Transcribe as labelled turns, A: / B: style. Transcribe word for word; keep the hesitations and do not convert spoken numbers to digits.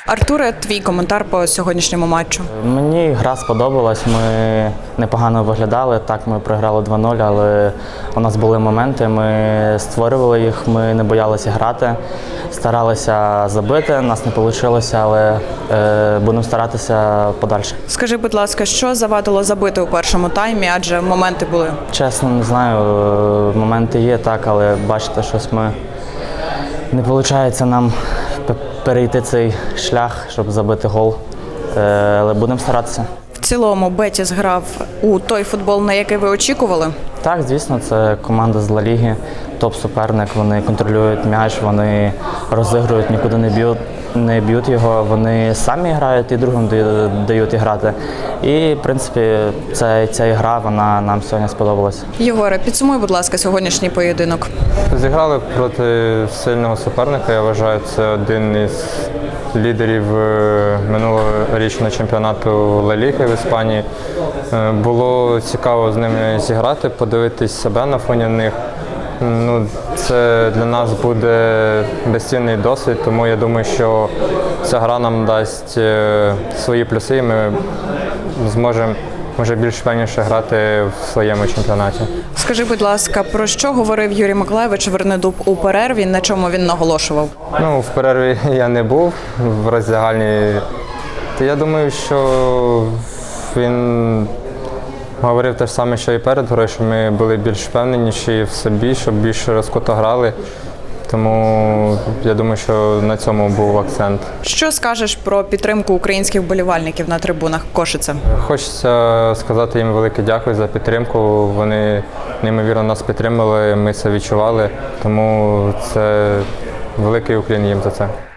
A: Артуре, твій коментар по сьогоднішньому матчу?
B: Мені гра сподобалась, ми непогано виглядали. Так, ми програли два нуль, але у нас були моменти, ми створювали їх, ми не боялися грати, старалися забити, нас не вийшло, але е, будемо старатися подальше.
A: Скажи, будь ласка, що завадило забити у першому таймі, адже моменти були?
B: Чесно, не знаю, моменти є так, але бачите, щось ми не виходить нам перейти цей шлях, щоб забити гол, але будемо старатися.
A: В цілому Бетіс грав у той футбол, на який ви очікували?
B: Так, звісно, це команда з Ла Ліги, топ-суперник, вони контролюють м'яч, вони розігрують, нікуди не б'ють, не б'ють його, вони самі грають і другим дають грати. І, в принципі, ця, ця гра, вона нам сьогодні сподобалась.
A: Єгоре, підсумуй, будь ласка, сьогоднішній поєдинок.
C: Зіграли проти сильного суперника, я вважаю, це один із лідерів минулорічного чемпіонату Ла Ліги в Іспанії. Було цікаво з ними зіграти, подивитись себе на фоні них. Ну, це для нас буде безцінний досвід, тому я думаю, що ця гра нам дасть свої плюси, і ми зможемо може більш впевненіше грати в своєму чемпіонаті.
A: Скажи, будь ласка, про що говорив Юрій Миколайович Вернедуб у перерві, на чому він наголошував?
C: Ну, в перерві я не був в роздягальні. Я думаю, що він говорив те ж саме, що і перед грою, що ми були більш впевненіші в собі, щоб більше розкуто грали. Тому я думаю, що на цьому був акцент.
A: Що скажеш про підтримку українських вболівальників на трибунах Кошице?
C: Хочеться сказати їм велике дякую за підтримку. Вони неймовірно нас підтримали, ми це відчували. Тому це великий уклін їм за це.